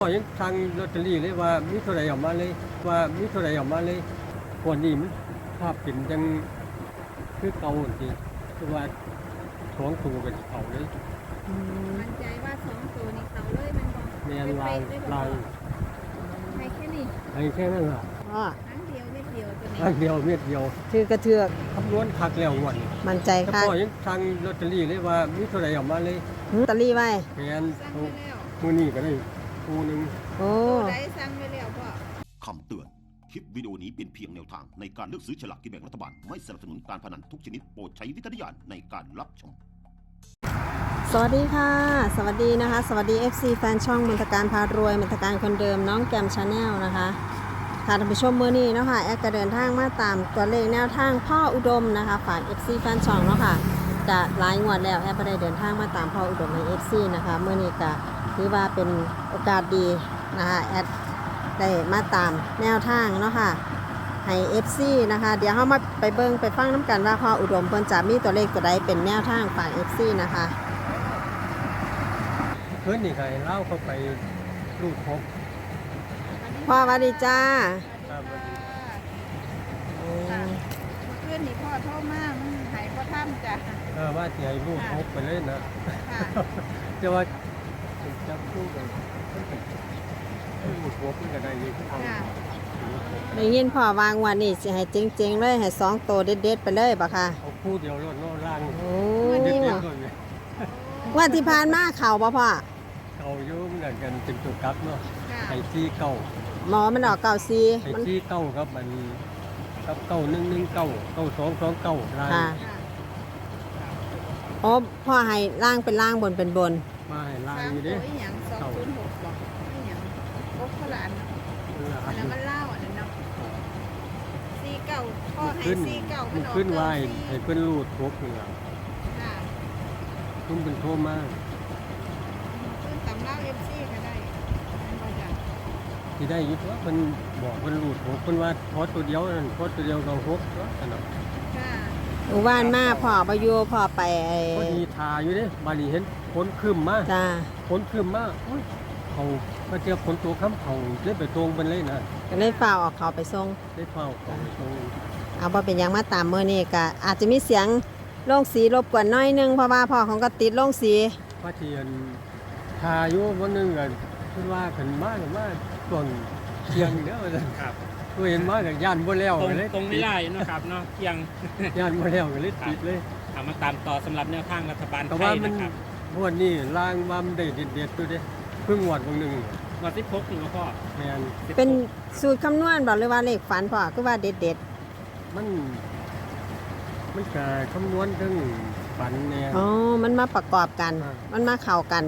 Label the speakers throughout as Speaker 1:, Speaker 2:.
Speaker 1: ก็ยังทางลอตเตอรี่เลยว่ามีเท่าไหร่ออกมาเลยคนนี้มันภาพเป็นจังคือเก่าจริงคือว่าท้องตูกันเขาเลย
Speaker 2: มั่นใจว่าสองตัวนี้เขาเลยมันบอก
Speaker 1: แม่นลาง
Speaker 2: ให้แค่นี้
Speaker 1: ให้แค่นั้นล่ะ
Speaker 3: พ่อ
Speaker 2: ครั้งเดียวเม็ดเดียวตัวนี้
Speaker 1: ครั้งเดียวเม็ดเดียว
Speaker 3: ถือกระเทือก
Speaker 1: คำนวณคักแล้วงวดนี้
Speaker 3: มั่นใจ
Speaker 1: แต่
Speaker 3: ค่ะ
Speaker 1: พ่อยังทางลอตเตอรี่เลยว่ามีเท่าไหร่ออกมาเลย
Speaker 3: ลอตเตอรี่ไว้
Speaker 1: แม่น
Speaker 2: สั่ง
Speaker 1: เอา
Speaker 2: ไปแล้ว
Speaker 1: มื้อนี้ก็ได้คู่หนึง
Speaker 3: โอ้
Speaker 2: ตัวใดสั่งไปแล้วพ่อ
Speaker 4: คำเตือน คลิปวิดีโอนี้เป็นเพียงแนวทางในการเลือกซื้อฉลากกินแบ่งรัฐบาล ไม่สนับสนุนการพนันทุกชนิดโปรดใช้วิจารณญาณในการรับชม
Speaker 3: สวัสดีค่ะ สวัสดีนะคะ สวัสดี FC แฟนช่องมนตการพารวยมนตการคนเดิมน้องแกมชาแนลนะคะค่ะท่านผู้ชมมื้อนี้เนาะค่ะแอดก็เดินทางมาตามตัวเลขแนวทางพ่ออุดมนะคะฝาก FC แฟนช่องเนาะค่ะจะหลายงวดแล้วแอดก็ได้เดินทางมาตามพ่ออุดมใน FC นะคะมื้อนี้ก็ถือว่าเป็นโอกาสดีนะคะแอดได้มาตามแนวทางเนาะค่ะให้ FC นะคะเดี๋ยวเรามาไปเบิ่งไปฟังน้ำกันว่าพ่ออุดมเพิ่นจะมีตัวเลขตัวใดเป็นแนวทางฝาก FC นะคะ
Speaker 1: เพิ่นนี่ก็ให้เล่าเข้าไปลูกพบ
Speaker 3: พ่อสวัสดีจ้า
Speaker 1: ครับวันนี้
Speaker 2: ค่ะเพื่อนนี่พ่อโทรมามันหายพ่อท่ำจ้ะ
Speaker 1: ว่าสิให้ลูกพบไปเลยนะ
Speaker 2: ค่ะ
Speaker 1: แต่ว่าจับคู่กันลูกพบมันก็ได้อยู่ทาง
Speaker 2: ค่ะ
Speaker 3: ได้ยินพ่อวางวันนี้สิให้เจ๋งๆเลยให้2ตัวเด็ดๆไปเลยบ่ค่ะ
Speaker 1: เอาคู่เดียวรถโน่ล่าง
Speaker 3: โอ้
Speaker 1: เด็ด
Speaker 3: ย
Speaker 1: ๆเลย
Speaker 3: ว่าที่ผ่านมาเข่าบ่พ่อ
Speaker 1: เก่าอยู่เหมือนกันเป็นตัวกลับเนาะ
Speaker 2: ค่ะ
Speaker 1: ไอ้ที่เก่า
Speaker 3: หมอมันออกเก่าซี
Speaker 1: ไอ้
Speaker 3: มัน
Speaker 1: ที่เก่าครับมันกับเก่า119 9229ลาย
Speaker 3: ค่ะ
Speaker 2: ค่ะ
Speaker 3: โอ้พ่อให้ล่างเป็นล่างบนเป็นบน
Speaker 1: มาให้ลาย
Speaker 2: สาม
Speaker 1: อยู่
Speaker 2: ตั
Speaker 1: เด้
Speaker 2: วอีหยัง206บอกอีหยังพกขลานอันนั้นมันเล่าอันนั้นเนาะ49พ่อให้49มันออก
Speaker 1: ขึ้นไหว
Speaker 2: 94
Speaker 1: ให้เพิ่นรูดครบนี่ล่ะ
Speaker 2: ค่ะ
Speaker 1: คุณเป็นโทรมา
Speaker 2: ขึ้นตำเล่า FC ก็ได้มันบ่จ้ะ
Speaker 1: ที่ได้อยึดว่าเพิ่นบอกเพิ่นรูดครบเพิ่นว่าพอตัวเดียวนั่นพอตัวเดียวก็ครบตัวอันนั้น
Speaker 2: ค่ะ
Speaker 3: หมู่บ้านมาพ่อบ่อยู่พ่อไปไอ้
Speaker 1: พอดีทาอยู่เด้บาลีเห็นฝนครึ้มมา
Speaker 3: จ้า
Speaker 1: ฝนครึ้มมาโอ้ยเขามาเจอฝนตัวค้ำเขาเล่นไปตรงเป็นเลยนะ
Speaker 3: ก็เลยฝ้าวออกเขาไปส่ง
Speaker 1: ได้เฝ้าเขาไปตรง
Speaker 3: เอาบ่เป็นหยังมาตามมื้อนี้ก็อาจจะมีเสียงโล่งสีรบกวนหน้อยนึงเพราะว่าพ่อของก็ติดโล่งสี
Speaker 1: พระเทียนทาอยู่วันหนึงก็คิดว่าขึ้นมาช่วงเที่ยงเด้อว่าซั่น
Speaker 5: ครับ
Speaker 1: ตัวเห็นมาก็ย่านบ่แล้ว
Speaker 5: ตรง
Speaker 1: ก็เลย
Speaker 5: ตรงไม่ได้เนาะครับเนาะเที่ยง
Speaker 1: ย่านบ่แล้วก็เลยติดเลย
Speaker 5: เอามาตามต่อสำหรับแนวทางรัฐบาล
Speaker 1: แต่
Speaker 5: ไท
Speaker 1: ว่าย มัน
Speaker 5: นะครับ
Speaker 1: พวกนี้ล่างว่ามันได้เด็ดๆตัวเด้เพิ่งหวดบางหนึง
Speaker 5: วันที่พกนี่ก็พ่อ
Speaker 1: แม่น
Speaker 5: 16
Speaker 3: เป็นสูตรคำนวณบ่หรือว่าเลขฝันพ่อคือว่าเด็ด
Speaker 1: มันก็คำนวณถึงฝันแน่
Speaker 3: ๆอ๋อมันมาประกอบกัน มันมาเข้ากัน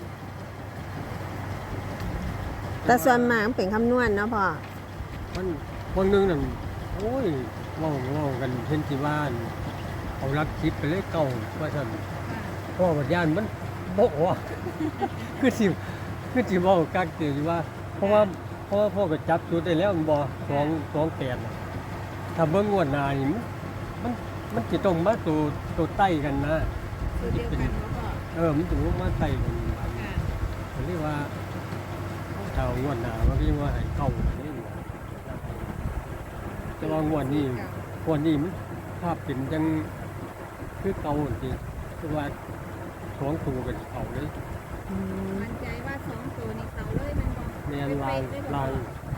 Speaker 3: แต่ส่วนมากมันเป็นคำนวณเนาะพ่อ
Speaker 1: มันคนหนึงนั่นโอ้ยเว้ากันเห็นที่บ้านเอารักคิดไปเลยเก่าว่าซั่นพ่อบัดย่านมันบ่ออก คือสิเว้ากักเตือว่า เพราะว่าพ่อก็จับจุดได้แล้วมันบ่228น่ะถ้าเบิ่งงวดหน้านี่มันสิต้องมาตัวใต้กันนะ
Speaker 2: คือเดียวกันบ่พ่อ
Speaker 1: มันถึงมาใต้กันบาดนี้
Speaker 2: ค่ะ
Speaker 1: ผมเรียกว่าถ้างวดหน้าว่าพี่ว่าให้เก่าอันนี้แต่ว่างวดนี้มันภาพเป็นจังคือเก่าจริงคือว่าท้องตูกันเขาเลย
Speaker 2: มั่นใจว่าสองตัวนี้เขาเลยมันบอก
Speaker 1: แม่นลาง
Speaker 2: ลาง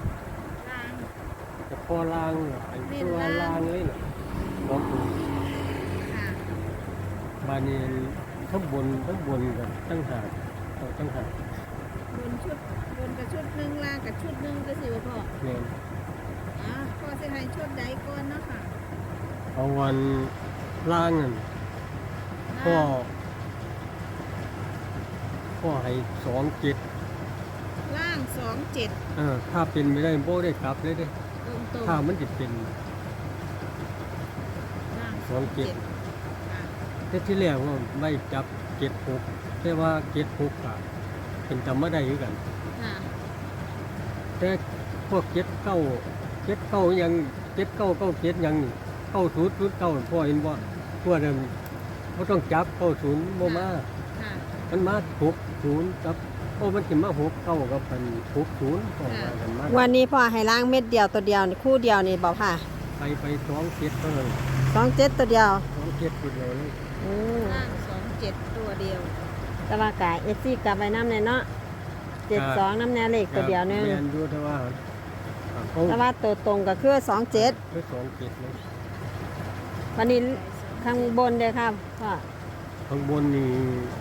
Speaker 1: แต่พอลางไอ้ตัวลางเลยน่ะท้องตู
Speaker 2: ค่ะ
Speaker 1: บานนี้ทั้งบนกันตั้งหากตั้งหาก
Speaker 2: บนกับชุดหนึ่งล่างกับชุดหนึ่งก็สิว่าพ่อ
Speaker 1: แม่น
Speaker 2: พ่อสิให้ชุดใดก่อนเนาะค่ะ
Speaker 1: เอาวันล่างนั่นพ่อให้27
Speaker 2: ล่าง27
Speaker 1: ถ้าเป็นไม่ได้โบ้ได้กลับเลยเด้
Speaker 2: ตรง
Speaker 1: ถ้ามันจะเป็น
Speaker 2: ล่าง
Speaker 1: 27
Speaker 2: ค่ะ
Speaker 1: แต่ที่แรกว่าไม่จับ76แต่ว่า76ก็เป็นจำไม่ได้คือกัน
Speaker 2: ค่ะ
Speaker 1: แต่พวก79ยัง7997ยังนี่9009พ่อเห็นบ่พวกนั้นบ่ต้องจับ90บ่มา
Speaker 2: ค่ะ
Speaker 1: มันมา60กับโอ้มันสิมา6 9กับเป็น60ก็ว่ากันมา
Speaker 3: วันนี้พ่อให้ล้างเม็ดเดียวตัวเดียวนี่คู่เดียวนี่บอกค่ะ
Speaker 1: ไป2 7เท่านั้น
Speaker 3: 27ตัวเดียว
Speaker 1: 2 7ตัวเดียวเลย
Speaker 3: โอ้
Speaker 2: ล่าง27ตัวเดียว
Speaker 3: แต่ว่ากายเอซี่กลับไปน้ำเลยเนาะ72น้ำแน่เลขตัวเดียวนึง
Speaker 1: แม่นอยู่แต่ว่าเขา
Speaker 3: แต่ว่าตัวตรงก็คือ27
Speaker 1: คือ2 7เลย
Speaker 3: วันนี้ข้างบนเด้อครับพ่อ
Speaker 1: ข้างบนนี่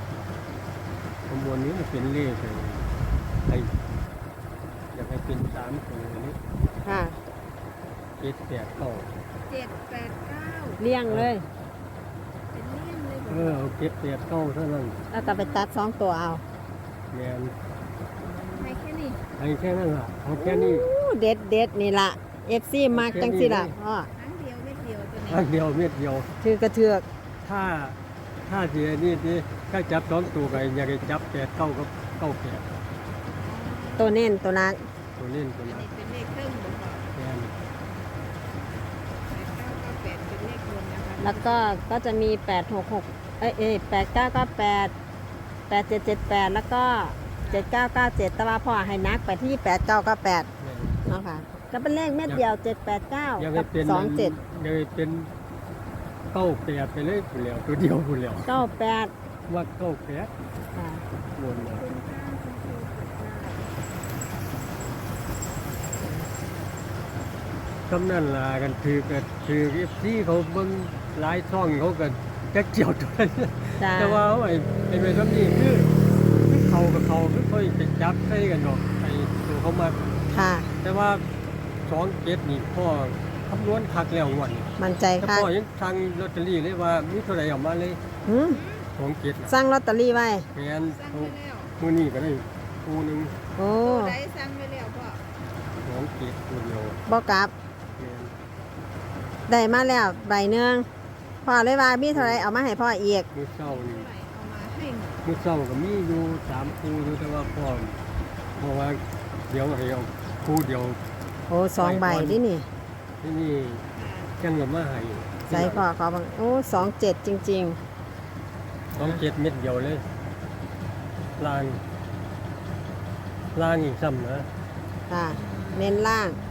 Speaker 1: มันเป็นเลขไอ้อยากให้เป็น3ตัวนี้
Speaker 3: ค่ะ
Speaker 1: 7 8 9
Speaker 2: 789
Speaker 3: เลี้ยงเลย
Speaker 2: เป็นเลี่ยมเลยบ่
Speaker 1: เอา7 8 9เท่านั้น
Speaker 3: แล้วก็ไปตัด2ตัวเอา
Speaker 1: แม่น
Speaker 2: ให้แค่นี้
Speaker 1: ให้แค่นั้นล่ะเอาแค่นี้
Speaker 3: อู้เด็ดนี่ล่ะ FC มักจังสิล่ะพ่อ
Speaker 2: ครั้งเดียวเม็ดเดียวตัวนี้
Speaker 1: อันเดียวเม็ดเดียว
Speaker 3: ถือกระเทือก
Speaker 1: ถ้าเสียนี่ที่ถ้าจับ2ตัวก็อยากให้จับ8 9กับ9 8
Speaker 3: ตัวเน้นตัวนัก
Speaker 1: ตัวเล่นตัว
Speaker 2: อัน
Speaker 1: นั้น
Speaker 2: นี้เป็นเลขเครื่องบ่พอ
Speaker 1: แม่น
Speaker 2: 8998เป็นเลขรวมนะคะ
Speaker 3: แล้วก็จะมี8668998 8778แล้วก็7997แต่ว่าพ่อให้นักไปที่8998
Speaker 1: แม่น
Speaker 3: เนาะค่ะก็เป็นเลขเม็ดเดียว 789
Speaker 1: อยากให้
Speaker 3: กับ
Speaker 1: เป็น
Speaker 3: 27
Speaker 1: อยากให้เป็น9 8ไปเลยผู้แล้วตัวเดียวผู้แล้ว
Speaker 3: 98
Speaker 1: ว่า9 8
Speaker 3: ค่ะ
Speaker 1: บนมาคำนั้นล่ะกันถือFCเขาเบิ่งหลายช่องเขาก็จักเจียวตัวนั้น
Speaker 3: จ้า
Speaker 1: แต่ว่าไอ้เมทัลนี่คือเขากับเขาไม่ค่อยไปจับใส่กันหรอกไอ้ตัวเขามา
Speaker 3: ค่ะ
Speaker 1: แต่ว่า2 7นี่พ่อคำนวณคักแล้วงวันนี้
Speaker 3: มั่นใจ
Speaker 1: แต่
Speaker 3: ค่ะ
Speaker 1: พ่อยังทางลอตเตอรี่เลยว่ามีเท่าไหร่ออกมาเลย
Speaker 3: หืม
Speaker 1: 2 7น่ะ
Speaker 3: สั่งลอตเตอรี่ไว้
Speaker 1: แม่น
Speaker 2: สั่ง
Speaker 1: เอา
Speaker 2: ไปแล้ว
Speaker 1: มื้อนี้ก็ได้คู่หนึง
Speaker 3: โอ้
Speaker 2: ตัวใดสั่งไปแล้วพ่อ
Speaker 1: 2 7ตัวเดียว
Speaker 3: บ่กลับ
Speaker 1: แม่น
Speaker 3: ได้มาแล้วใบหนึงพ่อเลยว่ามีเท่าไหรเอามาให้พ่ออีก
Speaker 1: มื้อเช้านี่
Speaker 2: เท่าไหร่เอามาให้หมด
Speaker 1: มื้อเช้าก็มีอยู่3คู่อยู่แต่ว่าพ่อเพราะว่าเดี๋ยวให้เอาคู่เดียว
Speaker 3: โอ้2 ใบดินี่
Speaker 1: ที่นี่จังก็มาให้
Speaker 3: ใส่พ่อขอบังโอ้27 จริง
Speaker 1: 2 7เม็ดเดียวเลยลางอีกซ้ำนะ
Speaker 3: ๆ ค่ะ เน้นล่าง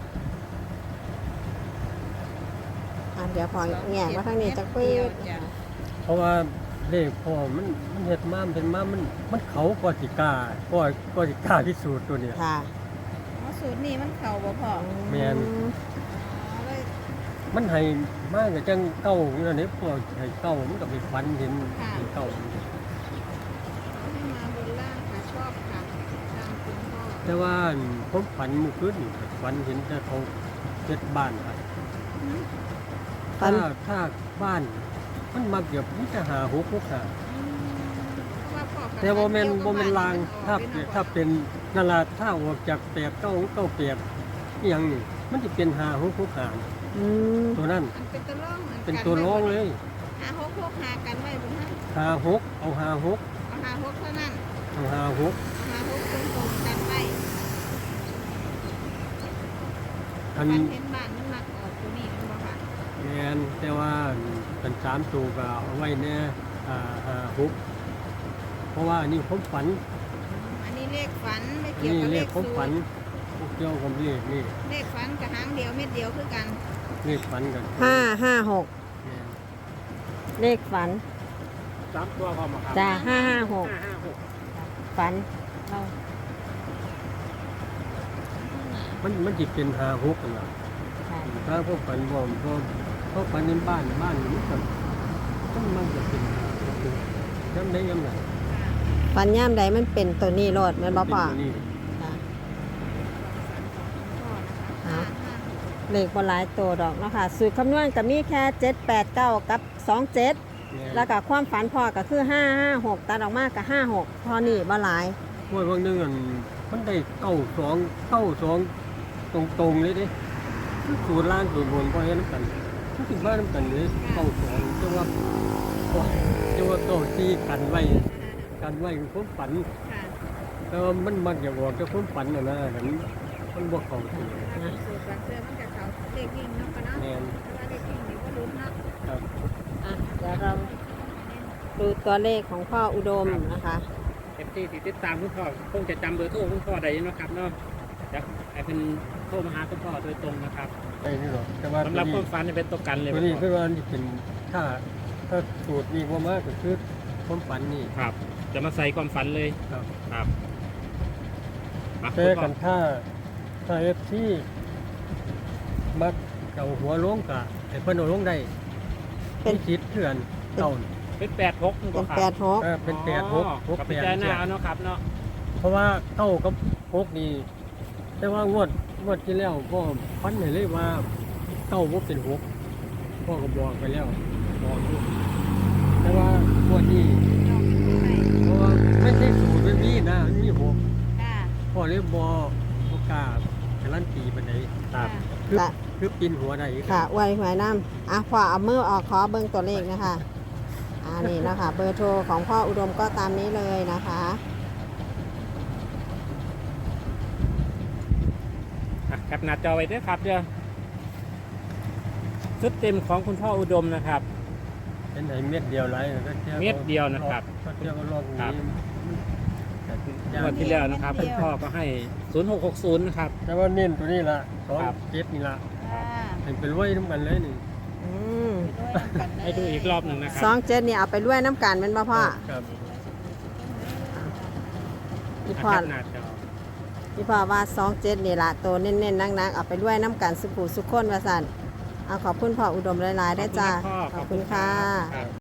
Speaker 3: เดี๋ยวพอแง่มาทางนี้จะคุย
Speaker 2: เดียวจ้ะ
Speaker 1: เพราะว่าเลขพ่อมันเฮ็ดมามันเป็นมามันเขาก็สิกล้าก็สิกล้าที่สุดตัวเนี้ย
Speaker 3: ค่ะ
Speaker 2: อ๋อสูตรนี้มันเข่าบ่พ่อ
Speaker 1: แม่น
Speaker 2: อ๋อเลย
Speaker 1: มันให้มาก็จังเก้าอยู่นั่นเด้พ่อให้เก้ามันก็ไปฝันเห็นเก้า
Speaker 2: ให้มาบนล่างค่ะชอบค่ะตามคุณพ่อ
Speaker 1: แต่ว่าผมฝันเมื่อคืนนี่ฝันเห็นแต่เขาเฮ็ดบ้านครับ
Speaker 3: ฝัน
Speaker 1: ถ้าบ้านมันมาเกือบมีแต่หา6 6 5
Speaker 2: เพราะว่าพ่อกับ
Speaker 1: แต่บ่แม่นบ่แม่นลาง
Speaker 2: บ้
Speaker 1: ถ้าเป็นนั่นล่ะถ้าออกจาก8 9 9 8อีหยังนี่มันสิเป็น5 6 6 5
Speaker 3: อืม
Speaker 1: ตัวนั้น
Speaker 2: มันเป็นตัวร่องหมือกั
Speaker 1: เป็นตัวร้องเลย
Speaker 2: หาหกหากันไว้บนนั้น
Speaker 1: 56เอา56
Speaker 2: เอาหาหกเท่านั้น
Speaker 1: เอา56
Speaker 2: เอาหาหกตรงๆกันไว้
Speaker 1: อัน
Speaker 2: มันเห็นบ้านมันมักออกตัวนี้มันบ่ค่ะ
Speaker 1: แม่นแต่ว่าเป็น3ตัวก็เอาไว้แน่56เพราะว่าอันนี้ผมฝัน
Speaker 2: อันนี้เลขฝันไม่
Speaker 1: อัน
Speaker 2: เกี่ยว
Speaker 1: นี้
Speaker 2: กับ
Speaker 1: เล
Speaker 2: เล
Speaker 1: ข
Speaker 2: ข
Speaker 1: ผม
Speaker 2: สู
Speaker 1: ฝัน
Speaker 2: ตร
Speaker 1: เกี่ยวกับเลขนี่
Speaker 2: เลขฝันกับหางเดียวเม็ดเดียวคือกัน
Speaker 1: เลขฝันกัน
Speaker 3: 556
Speaker 1: แม่น
Speaker 3: เลขฝัน
Speaker 5: 3ตัวพอมาครับ
Speaker 3: จ้า556
Speaker 5: 556
Speaker 3: ฝันเรา
Speaker 1: มันสิเป็น56กันล่ะ
Speaker 3: ค่ะ
Speaker 1: ถ้าพวกฝันบ่พวกฝันในบ้านนี่ก็มันจะเป็น56จำได้ยังไง
Speaker 3: ฝันย่ามใดมันเป็นตัวนี้โลดแม่นบ่พ่อ
Speaker 1: เป็นตัวนี้
Speaker 3: ค่ะ
Speaker 2: พ่อนะคะ
Speaker 3: เอา
Speaker 2: 5
Speaker 3: เลขบ่หลายตัวดอกเนาะค่ะสูตรคำนวณก็มีแค่789กับ27
Speaker 1: แม่น
Speaker 3: แล้วก็ความฝันพ่อก็คือ556ตัดออกมาก็56พอนี่บ่หลาย
Speaker 1: พวกบางนึงอันมันได้92ตรงๆเลยเด้สูตรล่างสูตรบนก็เฮ็ดนำกันมันสิมานํกันเลย92แต่ว่าเก้าที่กันไว้ผมฝัน
Speaker 2: ค่ะ
Speaker 1: แต่ว่ามันมักจะบอกแต่ผมฝันน่ะนะหันมันบ่เข้าจริง
Speaker 2: สูตรบางเสื้อมันกับเขาเลขวิ่งเนาะค่ะเนาะ
Speaker 1: แม่น
Speaker 2: แต่ว่าเลขวิ่งนี่ก็รู้เนาะ
Speaker 1: ครับ
Speaker 3: เดี๋ยวเราดูตัวเลขของพ่ออุดมนะคะ
Speaker 5: เอฟที่ติดตามคุณพ่อคงจะจำเบอร์โทรคุณพ่อได้เนาะครับเนาะจะให้เป็นโทรมาหาคุณพ่อโดยตรงนะครับ
Speaker 1: ไอ้นี่หรอกแต่ว่า
Speaker 5: สำหรับความฝันจะเป็นตัวกันเลย
Speaker 1: ตัวนี้คือว่านี่เป็นถ้าสูตรนี้ว่ามากก็คือความฝันนี่
Speaker 5: ครับ จะมาใส่ความฝันเลย
Speaker 1: ครับ
Speaker 5: ครับมา
Speaker 1: แต่
Speaker 5: คุณพ่
Speaker 1: กั
Speaker 5: อน
Speaker 1: ถ้าเอฟซีมักเอาหัวลงกะไอ้เพิ่นเอาลงได้
Speaker 3: เป็น
Speaker 1: มีคิดเถื่อนเต่า
Speaker 5: เป็น86นี่
Speaker 3: เป็
Speaker 5: บ่
Speaker 3: น
Speaker 5: ครับ
Speaker 3: 86
Speaker 1: เป็นแปดหกหก
Speaker 5: กับ
Speaker 1: แป
Speaker 5: พิ
Speaker 1: ด
Speaker 5: จารณา
Speaker 1: เจ็ด
Speaker 5: เอาเนาะครับเนาะ
Speaker 1: เพราะว่าเต้ากับพกนี่แต่ว่างวดที่แล้วพ่อพันให้เลยว่าเต้าบ่เป็นหกพ่อก็บอกไปแล้วบอกอยู่แต่ว่างวดนี้
Speaker 2: น้องเป็นผู้ใหม่
Speaker 1: เพราะว่าไม่ใช่สูตรไม่มีนะมีหก
Speaker 2: ค่ะ
Speaker 1: พ่อเลยบ่กล้าการันตีปานใด
Speaker 5: ครับ
Speaker 1: คือ
Speaker 3: ค่ะ
Speaker 1: คือปีนหัวได้อีก
Speaker 3: ค่ะอวยหวยน้ำพอเอามือออกขอเบิ่งตัวเลขนะคะนี่นะคะ เบอร์โทรของพ่ออุดมก็ตามนี้เลยนะคะ
Speaker 5: แคปหน้าจอไว้ด้วยครับเดี๋ยวชุดเต็มของคุณพ่ออุดมนะครับ
Speaker 1: เป็นไหนเม็ดเดียวไรก็เที่ยว
Speaker 5: เม็ดเดียวนะครับ
Speaker 1: ก็เที่ยวก็ลอก
Speaker 5: ครั
Speaker 1: นี้
Speaker 5: บ
Speaker 1: แต่
Speaker 5: งวดที่แล้วนะครับคุณพ่อก็ให้ 0660 นะครับ
Speaker 1: แต่ว่าเน้นตัวนี้ละสอง
Speaker 5: ครับ
Speaker 1: เจ็ดนี่ละ
Speaker 2: ค่ะ
Speaker 1: เป็นรวยน้ำกันเลยนี่
Speaker 3: อืม
Speaker 5: ให้ดูอีกรอบหนึ่งนะครั
Speaker 3: 27นี่เอาไปรวยน้ำกันเป็นบ่พ่อ
Speaker 1: ครับ
Speaker 3: พี่
Speaker 5: แค
Speaker 3: พ่อ
Speaker 5: ปหน้าจอ
Speaker 3: พี่พ่อว่า27นี่ละตัวเน้นๆนักๆเอาไปรวยน้ำกันสุขุสุขคนว่าสั่นเอาขอบคุณพ่ออุดมหลายๆได้อจ้า
Speaker 5: ขอบคุณครับ
Speaker 3: ขอบคุณค่ะ
Speaker 5: ครับ